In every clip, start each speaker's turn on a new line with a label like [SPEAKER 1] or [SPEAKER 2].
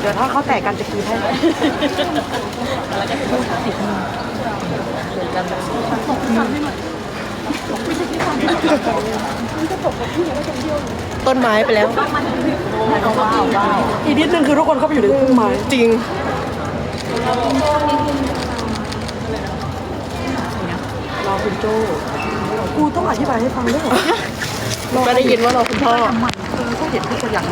[SPEAKER 1] ดี๋ยวถ้าเขาแตกกันจะคืนให้แล้วก็พูดติดมือเดี๋ยวกันต้นไม้ไปแล้วอีกนิดนึงคือทุกคนเข้าไปอยู่ในต้นไม้จริงรอคุณโจ้กูต้องอธิบายให้ฟังด้วยเหรอก็ได้ยินว่ารอคุณพ่อก็เห็นทุกคนอย่าง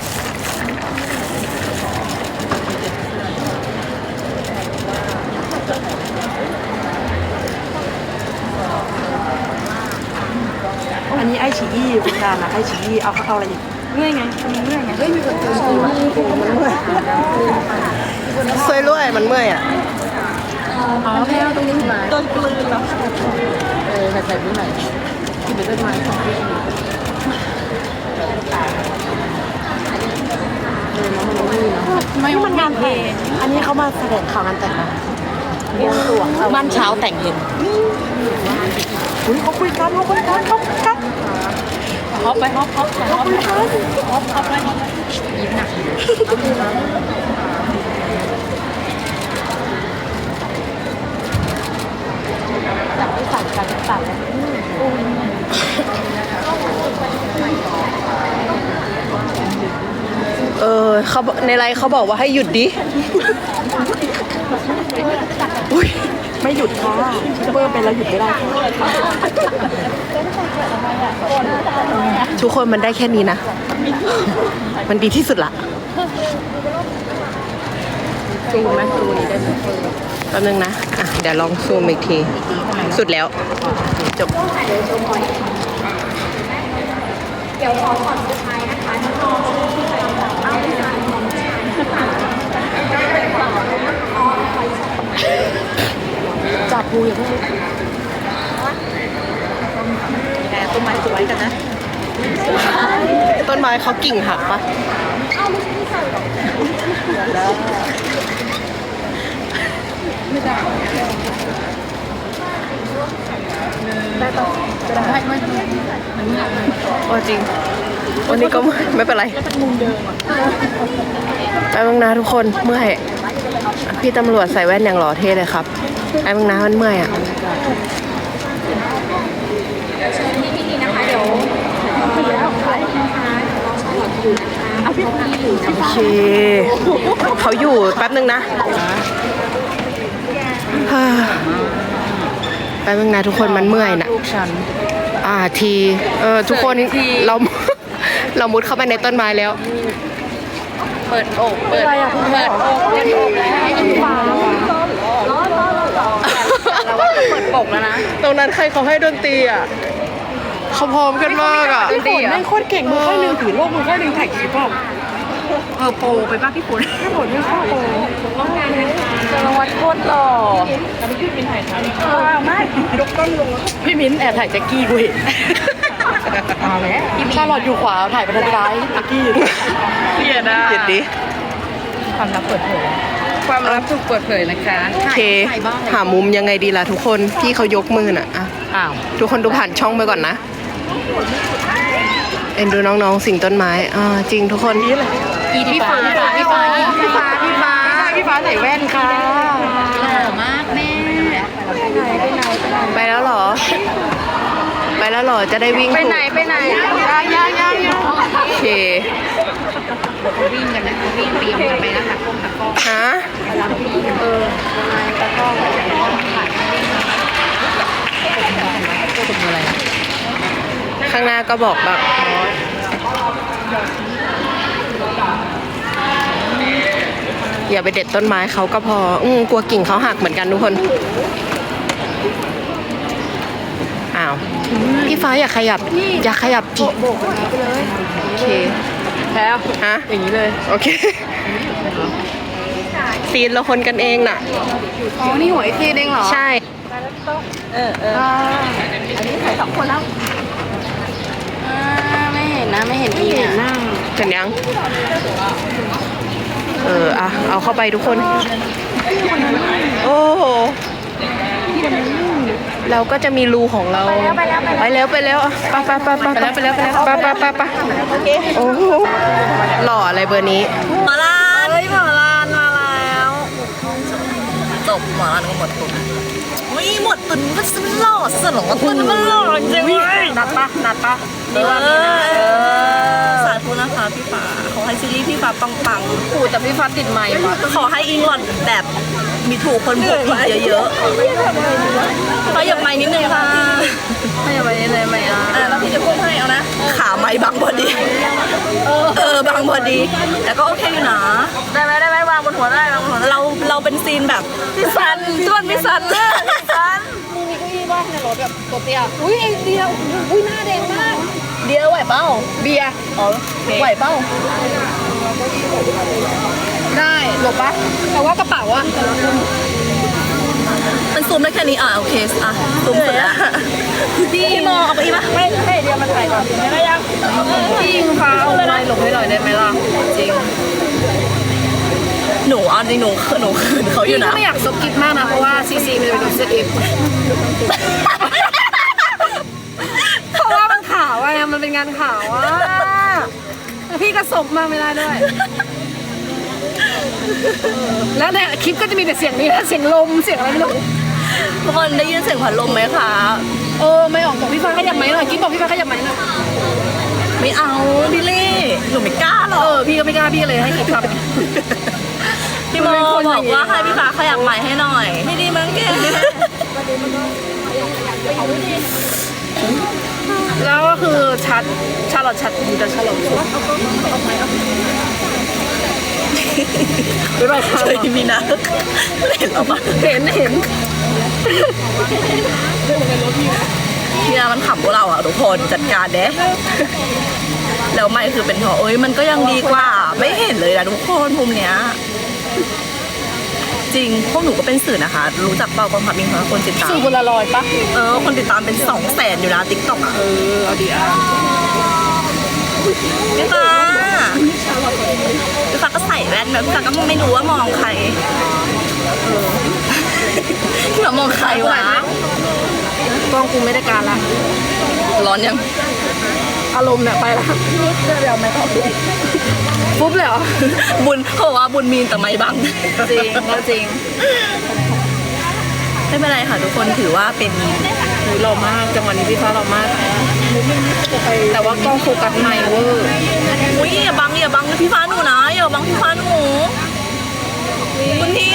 [SPEAKER 1] อันนี้ไอฉีอี้คุณการนะไอฉีอี้เอาอะไรอีกเมื่อยไงมันเมื่อยไงเฮ้ยมีคนเจอมันเมื่อยซวยรวยมันเมื่อยอ่ะอ๋อแพ้ตรงนี้มาต้นกลืนแล้วใส่ไม่ไหนที่เป็นต้นไม้ของพี่ไม่มันงานเพลงอันนี้เขามาแสดงข่าวงานแต่งนะบวงสรวงบ้านเช้าแต่งเย็นอุ้ยเขาคุยกันฮอปไปฮอปเลยยิ้มหนักจับไปใส่กันตัดเขาในไลน์เขาบอกว่าให้หยุดดิอุ้ยไม่หยุดค่ะเพิ่มไปแล้วหยุดไม่ได้ทุกคนมันได้แค่นี้นะมันดีที่สุดละซูมไหมซูมนี้ได้ไหมแป๊บนึงนะอ่ะเดี๋ยวลองซูมอีกทีสุดแล้วจบเดี๋ยวขอก่อนสุดท้ายนะคะน้องจับปูอย่างนี้แต่ต้นไม้สวยกันนะต้นไม้เขากิ่งหักปะไม่ได้ได้ปะได้จริงวันนี้ก็ไม่เป็นไรแป๊บนึงนะทุกคนเมื่อยพี่ตำรวจใส่แว่นอย่างหล่อเท่เลยครับแป๊บนึงนะมันเมื่อยอ่ะโอเคเขาอยู่แป๊บนึงนะแป๊บนึงนะทุกคนมันเมื่อยนะทีทุกคนเรามุดเข้าไปในต้นไม้แล้วเปิดอกเปิดอกแล้วเราว่าจะเปิดปกแล้วนะตรงนั้นใครเขาให้ดนตรีอ่ะเขาพร้อมกันมากอ่ะพี่ฝนไม่โคตรเก่งมือค่อยนึงถือโลกมือค่อยนึงถ่ายคลิปอ่ะโปไปป่ะพี่ฝนไม่ชอบโปจรวัตรโคตรหล่อพี่มิ้นถ่ายไม่ยกต้นลงพี่มิ้นแอบถ่ายแจ็คกี้กูเห็นเอาแล้วชาลอตอยู่ขวาถ่ายไปทางซ้ายแจ็คกี้เกลียดอ่ะเกลียดดิความลับเปิดเผยความลับถูกเปิดเผยนะคะโอเคหามุมยังไงดีล่ะทุกคนพี่เขายกมือน่ะอ้าวทุกคนดูผ่านช่องไปก่อนนะเอ็นดูน้องๆสิ่งต้นไม้จริงทุกคนพี่ฟ้าใส่แว่นค่ะหล่อมากแม่ไปแล้วเหรอจะได้วิ่งไปไหนยังโอเควิ่งกันนะวิ่งเตรียมกันไปนะคะฮะตะก้อข้างหน้าก็บอกแบบอย่าไปเด็ดต้นไม้เขาก็พอกลัวกิ่งเขาหักเหมือนกันทุกคนอ้าวพี่ฟ้าอย่าขยับจิโอเคแล้วฮะอย่างนี้เลยโอเคซีนเราคนกันเองน่ะอ๋อนี่หัวไอซีนเองเหรอใช่อันนี้ถ่าย2 คนแล้วไม่เห็นนะไม่เห็นพี่หน้าเห็นยังเอาเข้าไปทุกคนโอ้โหเราก็จะมีรูของเราไปแล้วไปโอ้โหหล่ออะไรเบอร์นี้มาลาหมอลานมาแล้วจบหมอลานก็หมดตุนหมดตุนก็สลอดสลองตุนมันหล่อจริงเลยนัดปะดีว่ามีนะสาธุนะคะพี่ฟ้าขอให้ซีรีส์พี่ฟ้าปังๆขู่แต่พี่ฟ้าติดไมค์ว่ะขอให้อิงหลอดแบบมีถูกคนพบอีกเยอะๆขยับไมค์นิดนึงค่ะขยับไมค์นิดนึงไหมแล้วพี่จะพูดให้เอานะขาไมค์บังพอดีบังพอดีแต่ก็โอเคอยู่นะได้ไหมวางบนหัวได้เราเป็นซีนแบบพี่ซันชวนพี่ซันพี่ซันมีเก้าอี้บ้างในรถแบบตัวเตี้ยอุ้ยไอเดียอุ้ยหน้าแดงมากเดียไหวเป้าเบียร์ไหวเป้าได้หลบปะแต่ว่ากระเป๋าอะมันซูมได้แค่นี้โอเคซูมสุดละพี่มองเอาไปอีกปะไม่ให้เดียมันถ่ายก่อนไม่ยังพี่ยิงฟ้าเอาไม้หลบให้หน่อยได้ไหมล่ะจริงหนูเอาจริงหนูคืนเขาอยู่นะไม่อยากสกิปมากนะเพราะว่าซีมันจะเป็นสกิปเพราะว่ามันขาวอะมันเป็นงานขาวอะพี่ก็สบมาไม่ได้ด้วยแล้วเนี่ยคลิปก็จะมีแต่เสียงนี้นะเสียงลมเสียงอะไรไม่รู้ทุกคนได้ยินเสียงพัดลมไหมคะไม่ออกบอกพี่ฟ้าขยับไหมหน่อยกิ๊บบอกพี่ฟ้าขยับไหมหน่อยไม่เอาพี่เล่หนูไม่กล้าหรอกพี่ก็ไม่กล้าพี่เลยให้กิ๊บครับพี่โมบอกว่าให้พี่ฟ้าขยับไหมให้หน่อยไม่ดีมั้งแกแล้วก็คือชาลอตอยู่แต่ชาลอตไม่ไหวค่ะเคยมีนะเห็นหรอปะเห็นพี่นามันขำพวกเราอ่ะทุกคนจัดการเด้แล้วไม่คือเป็นเพราะมันก็ยังดีกว่าไม่เห็นเลยนะทุกคนมุมเนี้ยจริงพวกหนูก็เป็นสื่อนะคะรู้จักเปล่ากองทัพมิงคะคนติดตามสื่อคนละ100ปะคนติดตามเป็น200,000อยู่นะติ๊กต็อกอ่ะเอาดีพี่ฟ้าก็ใส่แว่นแบบพี่ฟ้าก็ไม่รู้ว่ามองใครพี่ฟ้ามองใครวะกล้องกูไม่ได้การละร้อนยังอารมณ์เนี่ยไปละเดี๋ยวไม่ต้องปุ๊บเลยเหรอบุญเขาบอกว่าบุญมีนแต่ไม่บังจริงไม่เป็นไรค่ะทุกคนถือว่าเป็นหล่อมากจังหวะนี้พี่ฟ้าหล่อมากแต่ว่ากล้องโฟกัสไม่เวอร์อย่าบังพี่ฟ้าหนูนะอย่าบังพี่ฟ้าหนูคุณพี่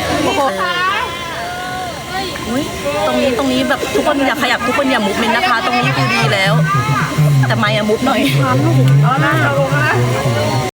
[SPEAKER 1] ตรงนี้แบบทุกคนอย่าขยับทุกคนอย่ามุฟเมนนะคะตรงนี้คือดีแล้วแต่ไม่อย่ามุฟหน่อยเอาหน้าลงนะ